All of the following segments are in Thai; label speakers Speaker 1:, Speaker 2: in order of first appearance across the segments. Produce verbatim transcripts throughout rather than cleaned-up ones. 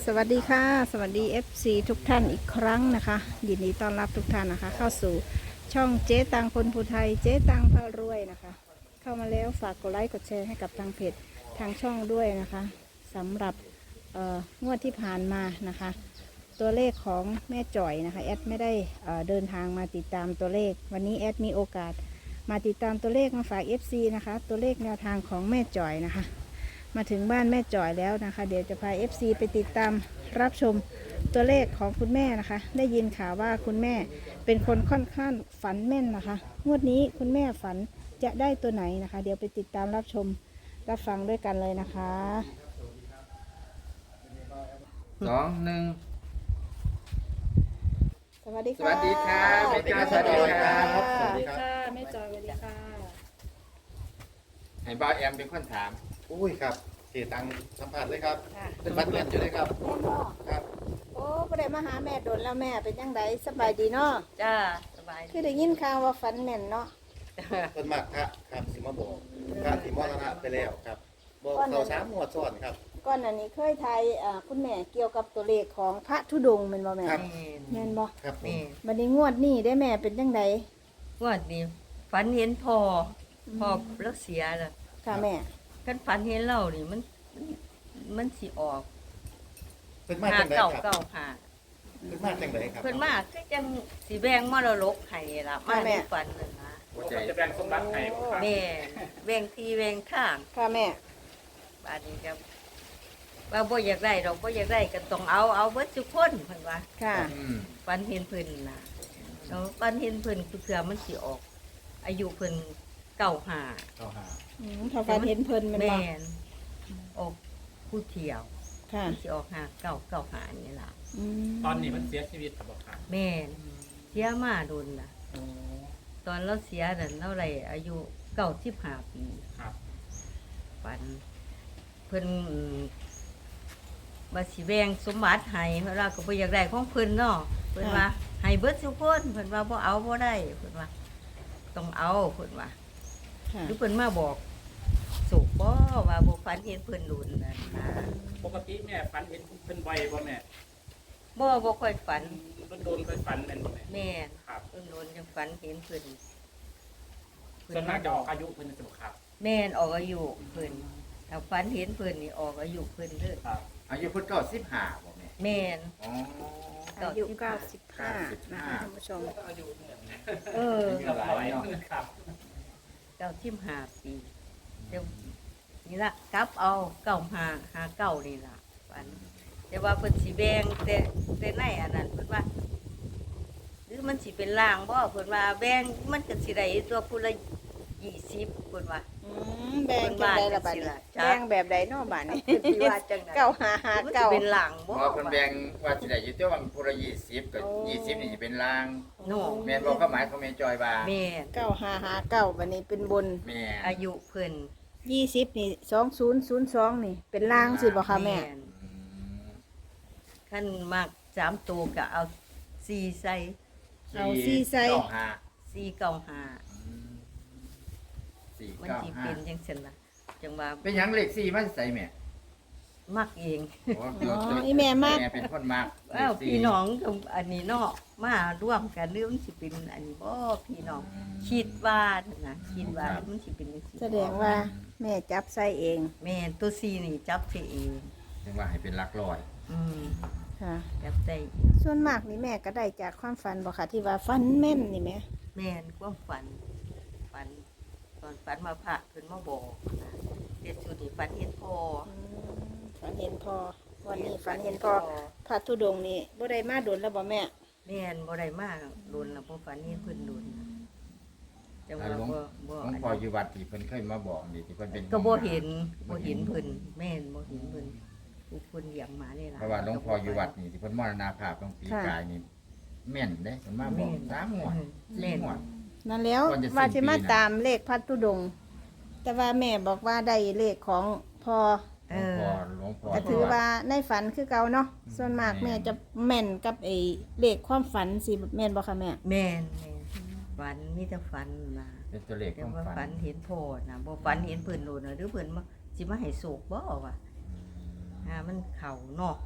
Speaker 1: สวัสดีค่ะสวัสดี เอฟ ซี ทุกท่านอีกครั้งนะคะยินดีต้อนรับทุกท่านนะคะเข้าสู่ช่องเจ๊ตังคนภูไทยเจ๊ตังพารวยนะคะเข้ามาแล้วฝากกดไลค์กดแชร์ให้กับทางเพจทางช่องด้วยนะคะสำหรับเอ่องวดที่ผ่านมานะคะตัวเลขของแม่จ่อยนะคะแอดไม่ได้เอ่อเดินทางมาติดตามตัวเลขวันนี้แอดมีโอกาสมาติดตามตัวเลขมาฝาก เอฟ ซี นะคะตัวเลขแนวทางของแม่จ่อยนะคะมาถึงบ้านแม่จ่อยแล้วนะคะเดี๋ยวจะพา เอฟ ซี ไปติดตามรับชมตัวเลขของคุณแม่นะคะได้ยินข่าวว่าคุณแม่เป็นคนค่อนข้างฝันแม่นนะคะงวดนี้คุณแม่ฝันจะได้ตัวไหนนะคะเดี๋ยวไปติดตามรับชมรับฟังด้วยกันเลยนะคะ
Speaker 2: สองหนึ่ง
Speaker 1: สวัสดี
Speaker 2: ส
Speaker 1: ค่ะ
Speaker 2: วัสดีครับแม่จอยสวัสดีครับ
Speaker 1: สวัสดีค่ะแม่จอยสวัสดีค่ะ
Speaker 2: ให้บ่าวแอมเป็นคนถาม
Speaker 3: อุ้ยครับเสียตังค์สัมผัสเลยครับ
Speaker 1: ค่ะ
Speaker 3: เป็นบัตรเรียนอยู่เลยครับ
Speaker 1: แม่พ่อ
Speaker 3: ครับ
Speaker 1: โอ้ประเดี๋ยวมาหาแม่โดนแล้วแม่เป็นยังไงสบายดีเนาะ
Speaker 4: จ้าสบาย
Speaker 1: คือได้ยินข่าวว่าฝันแม่นเนาะ
Speaker 3: เป็นมากครับครับสิมาบอกพระสิมรณะไปแล้วครับบอกเขาสามหมวดซ้อนครับ
Speaker 1: ก่อนอันนี้เคยทายอ่าคุณแม่เกี่ยวกับตัวเลขของพระธุดงค์แม่นบ่แม่
Speaker 3: ครับ
Speaker 1: แม่นบ่
Speaker 3: ครับผม
Speaker 4: นี่
Speaker 1: บัดนี้งวดนี้ได้แม่เป็นยังไง
Speaker 4: งวดนี้ฝันเห็นพ่อพ่อแล้วเสียแล้ว
Speaker 1: ค่ะแม่
Speaker 4: กันฝันเห็นเรานี่มันมันสิออก
Speaker 3: เป็นมาก
Speaker 4: หา
Speaker 3: จังได
Speaker 4: เก่า
Speaker 3: ครับ
Speaker 4: เก่าหา
Speaker 3: เป็นมากจังไดครับ
Speaker 4: เพิ่นมาคือจังสิแบ่งมรดกให้ล่ะมาในฝันนั่นนะ
Speaker 2: หัวใจ
Speaker 5: จะแบ่งสมบัติให้บ่ครับ
Speaker 4: แม่แบ่งที่แบ่งทาง
Speaker 1: ค่ะแม่
Speaker 4: บาดนี้ครับว่าบ่อยากได้เราบ่อยากได้ก็ต้องเอาเอาเบิดทุกคนเพิ่นว่า
Speaker 1: ค่ะ
Speaker 2: อืม
Speaker 4: ฝันเห็นเพิ่นน่ะแล้วฝันเห็นเพิ่นคือเผื่อมันสิออก อายุเพิ่นเก่าหา
Speaker 3: เขาหา
Speaker 1: อืมถ้าฝันเห็นเพิ่นแม่น
Speaker 4: แม่
Speaker 1: บ่
Speaker 4: นออกผู้เที่ยว
Speaker 1: ค่ะ
Speaker 4: มันสิออกหาเก่าเก่าหานี่ล่ะ
Speaker 1: อืม
Speaker 5: ตอนนี้มันเสียชีวิตครับบอกครับ
Speaker 4: แม่นเสียมาโดนล่ะ ตอนเราเสียนั่นเราไรอายุเก้าสิบห้าปี
Speaker 5: ครับ
Speaker 4: ฝัน เพิ่นอืมว่าสิแบ่งสมบัติให้เพราะเราก็บ่อยากได้ของเพิ่นเนาะเพิ่นว่าให้เบิดทุกคนเพิ่นว่าบ่เอาบ่ได้เพิ่นว่าต้องเอาเพิ่นว่า
Speaker 1: ค่ะ
Speaker 4: หรือเพิ่นมาบอกสุกบ่ว่าบ่ฝันเห็นเพิ่นโดนนั่นนะ
Speaker 5: ปกติแม่ฝันเห็นเป็นใบบ่แม่
Speaker 4: บ่บ่ค่อยฝัน
Speaker 5: โดนโดนๆเคยฝันแม่นบ่แม่
Speaker 4: แม่น
Speaker 5: ครับ
Speaker 4: เพิ่นโดนจังฝันเห็นเพิ่น
Speaker 5: ส่วนมากจะออกอายุเพิ่นจะบ่ครับ
Speaker 4: แม่นออกอายุเพิ่นถ้าฝันเห็นเพิ่นนี่ออกอายุเพิ่นเด้อ
Speaker 5: ครับ
Speaker 2: อายุเพิ่นเก้าสิบห้าบ่แม่
Speaker 4: แม่น
Speaker 2: อ๋อ
Speaker 1: อายุเก้าสิบห้านะคะท่านผู้ชม
Speaker 5: อายุเหมือน
Speaker 4: เออ
Speaker 2: อายุหลายเนาะ
Speaker 5: ครับ
Speaker 4: เก้าสิบห้าปีเดี๋ยวนี่ละกลับเอาเก้าหาหาเก้านี่ล่ะฝันแต่ว่าเพิ่นสิแบ่งแต่แต่ในอันนั้นเพิ่นว่า หรือมันสิเป็นล่างบ่เพิ่นว่าแบ่งมันก็สิได้ตัวผู้ละยี่สิบเพิ่นว่า
Speaker 1: อืมแบ่งจังไดล่ะบัดนี้
Speaker 4: จ้ะ
Speaker 1: แบ่งแบบใดเนาะบัดนี้
Speaker 4: เพิ่นสิว่าจังได๋
Speaker 1: เก้าหาหา
Speaker 4: มันสิ
Speaker 1: เก้า
Speaker 4: เป็นล่าง
Speaker 2: เพ
Speaker 4: บ่
Speaker 2: ราะว่าเพิ่นแบ่งว่าสิได้อยู่แต่ว่าผู้ละยี่สิบก็
Speaker 1: โอ้
Speaker 2: ยี่สิบนี่สิเป็นลาง
Speaker 4: โน่
Speaker 2: แม่นบ่ความหมายของแม่จอยว่า
Speaker 4: แม่น
Speaker 1: เก้าหาหาเก้าบัดนี้เป็นบน
Speaker 2: แม่
Speaker 4: อายุเพิ่น
Speaker 1: ยี่สิบนี่สองศูนย์ศูนย์สองนี่เป็นล่างสิบ่คะแม่
Speaker 4: น
Speaker 2: อืม
Speaker 4: ขั้นมากสามตัวก็เอาสี่ใส่
Speaker 1: เอาซี่ใส่
Speaker 2: เก้าห้า
Speaker 4: สี่เก้าห้า
Speaker 2: อืมสี่
Speaker 4: มัน
Speaker 2: เก้า
Speaker 4: สิ
Speaker 2: ห้า
Speaker 4: เป็นจังซั่นล่ะจังว่า
Speaker 2: เป็นหยังเลขสี่มาใส่แม่
Speaker 4: มักเอง
Speaker 2: โอ้ตัว
Speaker 1: อ๋อ
Speaker 2: ตัว
Speaker 1: อีแม่มาก
Speaker 2: แม่เป็นคนมาก
Speaker 4: อ้าว
Speaker 2: เลขสี่
Speaker 4: พี่น้องกับอันนี้เนาะมาร่วมกันหรือมันสิเป็นอันนี้บ่พี่น้องคิดว่านะคิดว่ามันสิเป็นจังซี่
Speaker 1: แสดงว่าแม่จับใส่เอง
Speaker 4: แม่นตัวซีนี่จับใส่เอง
Speaker 2: ถึงว่าให้เป็นหลักร้อย
Speaker 4: อืม
Speaker 1: ค่ะ
Speaker 4: จับใส่เอง
Speaker 1: ส่วนมากนี่แม่ก็ได้จากความฝันบ่ค่ะที่ว่าฝันแม่นนี่แม่
Speaker 4: แม่นความฝันฝัน ตอนฝันมาพระเพิ่นมาบอกนะเด็ดสุดนี่ฝันเห็นพ่อ
Speaker 1: อืมฝันเห็นพอวันนี้ฝันเห็นพอพระธุดงค์นี่บ่ได้มาโดนแล้วบ่แม่
Speaker 4: แม่นบ่ได้มากโดนแล้วบ่ฝันเห็นเพิ่นโดนนะจัง
Speaker 2: แล้
Speaker 4: ว่าว
Speaker 2: หลวง
Speaker 4: บ่บ่
Speaker 2: หลวงพ่ออยู่วัดที่เพิ่นเคยมาบอกนี่ที่เพิ่นเป็น
Speaker 4: ก็บ่เห็นบ่เห็นเพิ่นแม่นบ่เห็นเพิ่นผู้เพิ่นเลี้ยงมานี่ล่ะ
Speaker 2: เพราะว่าหลวงพ่ออยู่วัดนี่ที่เพิ่นมรณภาพตรงปีกายนี่แม่นเด้เพิ่นมาบอกสามงวด
Speaker 4: แม่น
Speaker 2: สี่งวด
Speaker 1: นั่นแล้ว
Speaker 2: ก่อนจะสิ้น
Speaker 1: ว่าสิมา
Speaker 2: ปีนะ
Speaker 1: ตามเลขพระธุดงค์แต่ว่าแม่บอกว่าได้เลขของพอ
Speaker 4: เอ
Speaker 2: หลวง
Speaker 4: อ
Speaker 2: พ่อหลวงพ่อ
Speaker 1: ก็ถือว่าในฝันคือเก่าเนาะส่วนมากแม่จะแม่นกับไอ้เลขความฝันสิแม่นบ่คะแม่
Speaker 4: แม่นแม่นฝันมีแต่ฝันล่ะ
Speaker 2: เป็นตัวเลข
Speaker 4: แต่
Speaker 2: ของ
Speaker 4: ว่า
Speaker 2: ฝั
Speaker 4: ฝั
Speaker 2: น
Speaker 4: นเห็นพ่อนะบ่ฝันเห็นเพิ่นโดนน่ะหรือเพิ่นมาสิมาให้โศกบ่วะอ่ามันเข้าเนาะ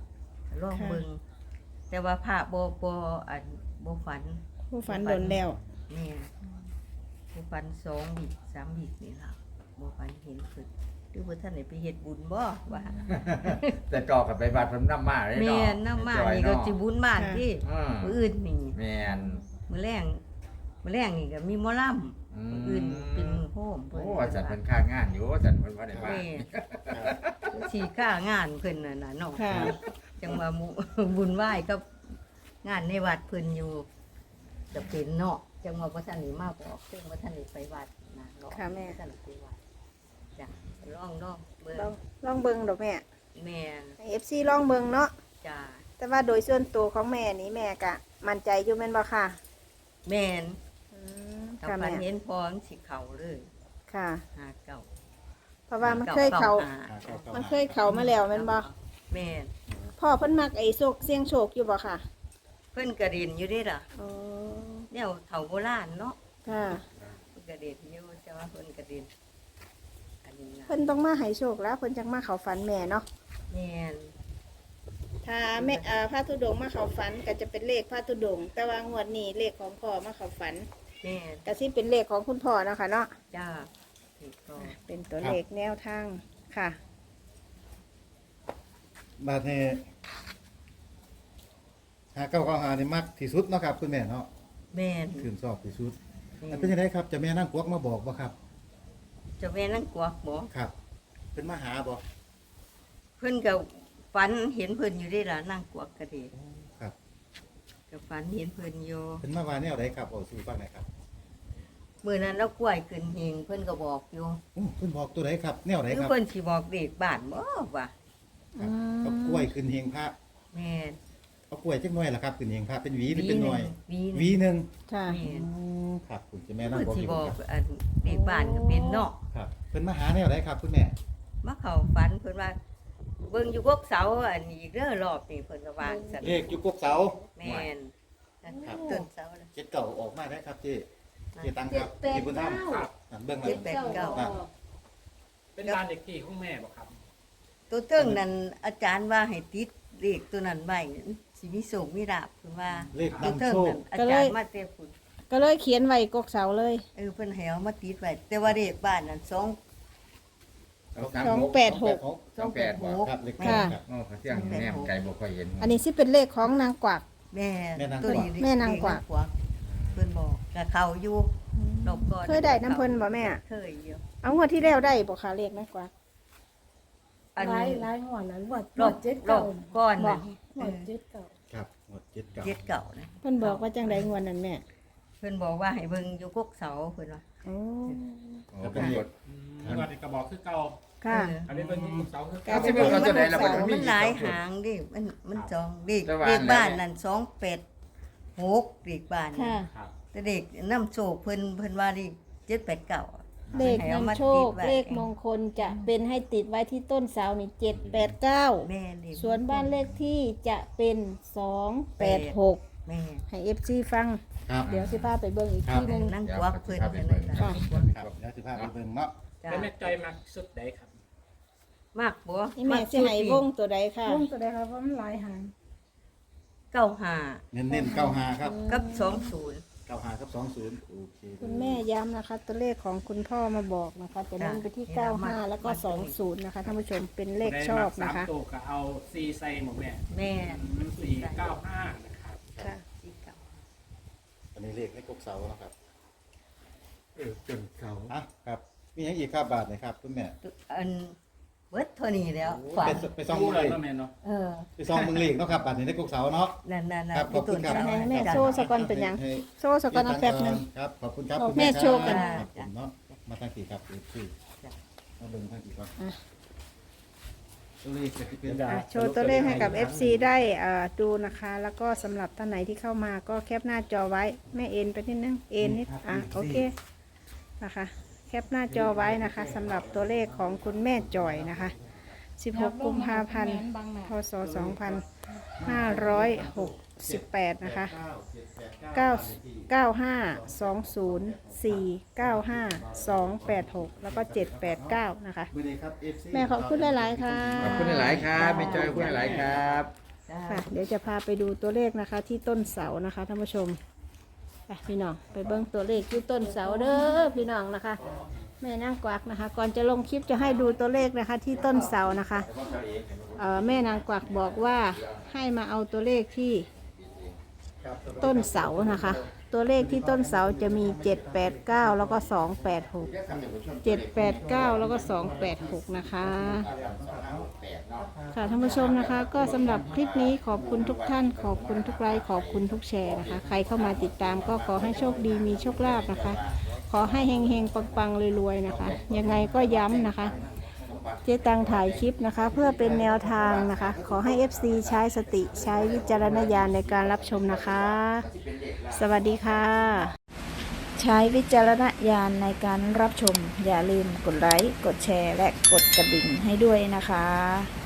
Speaker 4: ลองเบิ่งแต่ว่าพระบ่บ่อันบ่ฝัน
Speaker 1: ผู้ฝันโดนแล้ว
Speaker 4: แม่บ่ฝันสองวิสามวินี่ล่ะบ่ฝันเห็นเพิ่นหรือว่าท่านได้ไปเฮ็ดบุญบ่ว่า
Speaker 2: แต่ก่อกับไปบัดเพิ่นนำมาเลย
Speaker 4: แม่
Speaker 2: เนาะ
Speaker 4: นนำมานี่ก็สิบุญบ้านที่
Speaker 2: อืม
Speaker 4: มื้ออื่นนี่
Speaker 2: แม่น
Speaker 4: มื้อแรงมื้อแรงนี่ก็มีหมอลำ
Speaker 2: อืม
Speaker 4: มื้ออื่นเป็นมื้อโฮม
Speaker 2: โอ้ว่าจัดเพิ่นค่างานอยู่ว่าจัดเพิ่นบ่ได้มา
Speaker 4: แม่สิค่างานเพิ่นน่ะน่ะเนาะ
Speaker 1: ค่ะ
Speaker 4: จังว่าหมู่ บุญไหว้กับงานในวัดเพิ่นอยู่จะเป็นเนาะจังว่าบ่ทันได้มาบอกจังว่าท่านได้ไปวัดนะเนาะ
Speaker 1: ค่ะแม่
Speaker 4: ท่านได้ไปวัดจ้ะลองลองเบิ่ง
Speaker 1: ลองลองเบิ่งดอกแม่
Speaker 4: แม่น
Speaker 1: ให้ เอฟ ซี ลองเบิ่งเนาะ
Speaker 4: จ้ะ
Speaker 1: แต่ว่าโดยส่วนตัวของแม่นี่แม่กะมั่นใจอยู่แม่นบ่ค่ะ
Speaker 4: แม่น
Speaker 1: อืม
Speaker 4: ถ้า
Speaker 1: ค่ะ
Speaker 4: ฝั
Speaker 1: แม่
Speaker 4: นเห็นพอมันสิเข้าเลย
Speaker 1: ค่ะ
Speaker 4: หาเก่า
Speaker 1: เพราะว่ามันเคยเขา
Speaker 4: ห
Speaker 3: หาเก้าเก้า
Speaker 1: มันเคยเขามาแล้วแม่นบ่
Speaker 4: แม่น
Speaker 1: พ่อเพิ่นมักไอ้โชคเสี่ยงโชคอยู่บ่ค่ะ
Speaker 4: เพิ่นกระเด็นอยู่เด้ล่ะ
Speaker 1: อ๋อ
Speaker 4: แนวเฒ่าโบราณเนาะ
Speaker 1: ค่ะ
Speaker 4: เพิ่นกระเด็นอยู่แต่ว่าเพิ่นกระเด็นอันนี้นะ
Speaker 1: เพิ่นต้องมาให้โชคแล้วเพิ่นจังมาเข้าฝันแม่เนาะ
Speaker 4: แม่น
Speaker 1: ถ้าแม่อ่าพระธุดงค์มาเข้าฝันก็จะเป็นเลขพระธุดงค์แต่ว่างวดนี้เลขของพ่อมาเข้าฝัน
Speaker 4: แม่น
Speaker 1: ก็สิเป็นเลขของคุณพ่อเนาะค่ะเนาะ
Speaker 4: จ้าถูกต้อง
Speaker 1: เป็นตัวเลขแนวทางค่ะ
Speaker 3: บาดนี้หาเก้าเก้าหานี่มักที่สุดเนาะครับคุณแม่เนาะ
Speaker 4: แม่น
Speaker 3: ถึงชอบที่สุด
Speaker 4: แม่
Speaker 3: แล้ว
Speaker 4: น
Speaker 3: เป็นยังไงครับเจะแม่นั่งกวักมาบอกบ่ครับ
Speaker 4: เจ้าแม่นั่งกวักบ่
Speaker 3: ครับเป็นมาหาบ่
Speaker 4: เพิ่นก็ฝันเห็นเพิ่นอยู่ได้ล่ะนั่งกวักกระเดะ
Speaker 3: ครับ
Speaker 4: ก็ฝันเห็นเพิ่นอยู่
Speaker 3: เป็นมาว่าแนวใดครับเอาสู่ฟังหน่อยครับ
Speaker 4: มื้อนั้นเรากล้วยขึ้นเฮงเพิ่นก็บอกอยู่
Speaker 3: อู้เพิ่นบอกตัวใดครับ แนวใด
Speaker 4: คือ
Speaker 3: ครับ
Speaker 4: เพิ่นสิบอกเด็กบ้านบ่ว่า
Speaker 3: ครับเอากล้วยขึ้นเฮงพระ
Speaker 4: แม่น
Speaker 3: เอากล้วยจักหน่อยล่ะครับขึ้นเฮงพระเป็นหวีหรือเป็นหน่วย
Speaker 4: วีห
Speaker 3: หวี
Speaker 4: นึ่ง
Speaker 3: หนึง
Speaker 1: ค่ะ
Speaker 4: แม่น
Speaker 3: อืมครับคุณเจะแม่นั่ง
Speaker 4: เพิ่น
Speaker 3: กวัก
Speaker 4: สิ
Speaker 3: อยู่
Speaker 4: บอก
Speaker 3: ครับ
Speaker 4: อันเด็กบ้านก็เป็นเนาะ
Speaker 3: ครับเพิ่นมาหาแนวใดครับคุณแม่
Speaker 4: มาเข้าฝันเพิ่นว่าเบิ่งอยู่กกเสาอันนี้เด้อรอบนี้เพิ่นก็วางซั่น
Speaker 3: เลขอยู่กกเสา
Speaker 4: แม่นนะครับต้นเสาน่ะ
Speaker 3: เจ็ดเก่าออกมาได้ครับเจ๊เจ๊ตังครับ
Speaker 1: เจ็ดแปด
Speaker 3: ที่บุญธรรม
Speaker 5: ครับ
Speaker 3: อ่ะเบื้องหลั
Speaker 4: เจ็
Speaker 3: ง
Speaker 4: ดแปดเก้า
Speaker 3: ครับ
Speaker 5: เป็นบ้านเด็กที่ของแม่บ่ครับ
Speaker 4: ตัวเทิงนั่นอาจารย์ว่าให้ติดเลขตัวนั้นไว้สิมีโชคมีลาภเพิ่นว่า
Speaker 3: เลข
Speaker 4: ตัวน
Speaker 3: ำ
Speaker 4: เทิง
Speaker 3: โชค
Speaker 4: นั่นอาจารย์มาแต่พุ่น
Speaker 1: ก็เลยเขียนไว้กกเสาเลย
Speaker 4: เออเพิ่นให้เอามาติดไว้แต่ว่าเลขบ้านนั่นสอง
Speaker 1: สองแปดหก
Speaker 2: สองแปดบ่
Speaker 3: ครับเลข
Speaker 1: ค่ะ
Speaker 3: ครับ
Speaker 2: โอ้เขาเที่ยงแนมไกลบ่ค่อยเห็น
Speaker 1: อันนี้สิเป็นเลขของนางกวัก
Speaker 4: แม่
Speaker 3: แม่นางกวัก
Speaker 4: ตัวนี้
Speaker 1: แม่นางกวัก
Speaker 4: เลขเพิ่นบอกกับเขาอยู่รอบก่อน
Speaker 1: เคยได้น้ำเพิ่นบ่แม่
Speaker 4: เคยอยู่
Speaker 1: เอางวดที่แล้วได้บ่คะเลขนางกวัก
Speaker 4: อัน
Speaker 6: หลาย
Speaker 4: นี้
Speaker 6: หลายหัวนั้นหวด
Speaker 4: รอบ
Speaker 6: เจ็ด
Speaker 4: รอ
Speaker 6: เก่า
Speaker 4: บก่อนนั่น
Speaker 6: หวดเจ็ดเก่า
Speaker 3: ครับหมดเจ็ดเก่า
Speaker 4: เจ็ดเก่านะ
Speaker 1: เพิ่นบอกว่าจังไดงวดนั้นแม่
Speaker 4: เพิ่นบอกว่าให้เบิ่งอยู่กกเสาเพิ่นว่า
Speaker 1: โอ้
Speaker 2: โอ้เป็นกด
Speaker 5: แล้วก็กระบอกคือเก่า
Speaker 1: ค่ะ
Speaker 4: เออ
Speaker 5: อันนี้เป็นที่เสาคือ
Speaker 1: ครั
Speaker 5: เก่า
Speaker 1: บ
Speaker 2: สิเบิ่งเอาตัวใดล่ะ
Speaker 4: เสา
Speaker 2: มันมี
Speaker 4: มันหลาย
Speaker 2: สองจุด
Speaker 4: หางดิมันมันจองเลข
Speaker 2: แต่ว่า
Speaker 4: เลขบ้าน
Speaker 2: แล้ว
Speaker 4: นั่นสองแปดหกเลขบ้าน
Speaker 1: ค่ะ
Speaker 5: ครับ
Speaker 4: แต่เด็กน้ำโชคเพิ่นเพิ่นว่าเลขเจ็ดแปดเก้า
Speaker 1: เลขนำโชค เลขมงคลจะเป็นให้ติดไว้ที่ต้นเสานี่เจ็ดแปดเก้า
Speaker 4: แม่นี่
Speaker 1: ส่วนบ้านเลขที่จะเป็นสองแปดหก
Speaker 4: แม่
Speaker 1: ให้เอฟซีฟัง
Speaker 3: ครับ
Speaker 1: เดี๋ยวสิพาไปเบิ่งอีก
Speaker 3: ครับ
Speaker 1: ที่หนึง
Speaker 4: นั่ง
Speaker 2: เดี๋ยว
Speaker 4: กวัก
Speaker 2: สิ
Speaker 4: เพิ่น
Speaker 2: พาไป
Speaker 4: นั่น
Speaker 2: เบิ่ง
Speaker 4: น่ะ
Speaker 1: ค่ะ
Speaker 3: ครับเดี๋ยวสิพาไปเบิ่งเนาะ
Speaker 4: จ้ะ
Speaker 5: แล้วแม่จอยมักสุดใดครับ
Speaker 4: มากบ่
Speaker 1: นี่แม่สิให้วงตัวใดค่ะ
Speaker 6: วงตัวใดครับว่ามันหลายหาง
Speaker 4: เก้าห้า
Speaker 3: เน้นเน้นเก้าห้าครับ
Speaker 4: กับสองศูนย์
Speaker 3: เก้าห้าครับสองศูนย์โอเค
Speaker 1: คุณแม่ย้ำนะคะ ตัวเลขของคุณพ่อมาบอกนะคะ จะเน้นไปที่เก้าห้าแล้วก็สองศูนย์นะคะท่านผู้ชมเป็นเลขชอบนะคะ
Speaker 5: สามตัวก็เอาซีไซหมดแม่
Speaker 4: แม่
Speaker 5: มันสี่เก้าห้านะครับ
Speaker 1: ค่ะ
Speaker 4: สี่เก้า
Speaker 3: อันนี้เลขในกกเสาเนาะครับ
Speaker 2: เออจนเขา
Speaker 3: อ่ะครับมีอย่างอีกครับบาทไหนครับคุณแม่
Speaker 4: อันเบิดเท่านี้แล้ว
Speaker 3: ไป
Speaker 4: ฝัน
Speaker 3: ไปซ่อง
Speaker 5: รู้
Speaker 3: มึง
Speaker 5: เล
Speaker 3: เลย ย
Speaker 5: ว่าแม่เนาะ
Speaker 4: เออ
Speaker 3: ไปซ่องมึงเลขเนาะครับบาทนี้ในกกเสาเนาะ
Speaker 4: นั่นนั่นนั่น
Speaker 3: ครับขอบคุณครับ
Speaker 1: ให้แม่โชว์สกอนเป็นหยัง
Speaker 3: ให้
Speaker 1: โซ่สกอนเอาแป๊บหนึง
Speaker 3: ครับขอบคุณครับ
Speaker 1: บอก
Speaker 3: คุณ
Speaker 1: แม่
Speaker 3: ครับ
Speaker 1: โชว์กัน
Speaker 3: ครับผมเนาะมาทางกี่ครับคือมาเบิ่งทางกี่ครับ
Speaker 1: อ่ะ
Speaker 3: ตัวเลขจะเป็น
Speaker 1: อ่ะโชว์ตัวเลขให้กับ เอฟ ซี ได้เอ่อดูนะคะ แล้วก็สำหรับท่านไหนที่เข้ามาก็แคปหน้าจอไว้แม่เอ็นไปนิดนึงเอ็นนิดอ่ะโอเคนะคะแคปหน้าจอไว้นะคะสำหรับตัวเลขของคุณแม่จอยนะคะสิบหกกุมภาพันธ์พศสองพันห้าร้อยหกสิบแปดนะคะเก้า เก้าห้า สองศูนย์ สี่ เก้าห้า สองแปดหกแล้วก็เจ็ดแปดเก้านะคะ
Speaker 3: มือนี้ครับ เอฟซี
Speaker 1: แม่ขอบคุณหลายๆค่ะ
Speaker 2: ขอบคุณหลายๆครับแม่จอยขอบคุณหลายๆครับ
Speaker 4: จ้า
Speaker 1: ค่ะ เดี๋ยวจะพาไปดูตัวเลขนะคะ ที่ต้นเสานะคะท่านผู้ชมไปพี่น้องไปเบิ้งตัวเลขที่ต้นเสาเด้อพี่น้องนะคะ แม่นางกวักนะคะ ก่อนจะลงคลิปจะให้ดูตัวเลขนะคะ ที่ต้นเสานะคะเอ่อแม่นางกวักบอกว่าให้มาเอาตัวเลขที่ต้นเสานะคะ ตัวเลขที่ต้นเสาจะมีเจ็ดแปดเก้าแล้วก็สองแปดหกเจ็ดแปดเก้าแล้วก็สองแปดหกนะคะค่ะท่านผู้ชมนะคะ ก็สำหรับคลิปนี้ขอบคุณทุกท่าน ขอบคุณทุกไลค์ขอบคุณทุกแชร์นะคะ ใครเข้ามาติดตามก็ขอให้โชคดีมีโชคลาภนะคะ ขอให้เฮงๆปังๆรวยๆนะคะ ยังไงก็ย้ำนะคะ เจ๊ตังถ่ายคลิปนะคะ เพื่อเป็นแนวทางนะคะ ขอให้ เอฟ ซี ใช้สติใช้วิจารณญาณในการรับชมนะคะ สวัสดีค่ะ ใช้วิจารณญาณในการรับชม อย่าลืมกดไลค์กดแชร์และกดกระดิ่งให้ด้วยนะคะ